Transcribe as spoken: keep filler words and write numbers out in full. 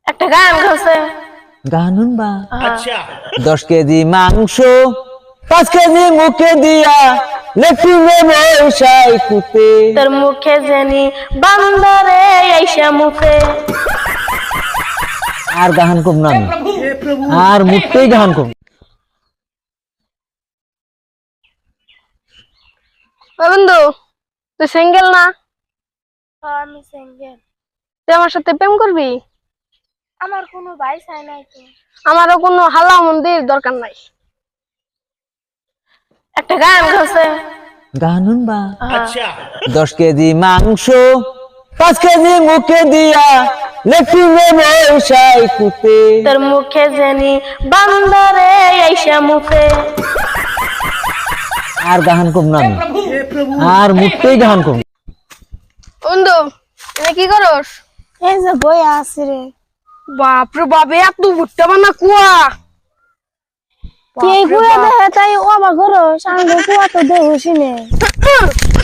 একটা গান গাছে গানুন বা আচ্ছা দশ কেজি মাংস পাঁচ কেজি মুখে দিয়া লেফিনে বসাই কুতে তোর মুখে জানি বান্দরে আইসা মুখে। আর গাহান কম না আর মুখতেই গাহান কম। বন্ধু তুই সিঙ্গেল না? আমি সিঙ্গেল। তুই আমার সাথে প্রেম করবি? আমার কোনো ভাই চাই নাই তো। আমারও কোনো হালা মন্দির দরকার নাই। একটা গান গাছে গানুন বা আচ্ছা দশ কেজি মাংস পাঁচ কেজি মুখে দিয়া লেফিনে বসাই কুতে তোর মুখে জানি বান্দরে আইসা মুখে। আর গাহান কম না আর মুখতেই গাহান কম। বন্ধু তুমি কি করস? এই যে বই আছে রে। বাপরে বাপ এত ভুট্টা বানা কুয়া। তুই এই কুয়া দেখে তাই ও আমার ঘর সামনে কুয়া তো দেখছি নে।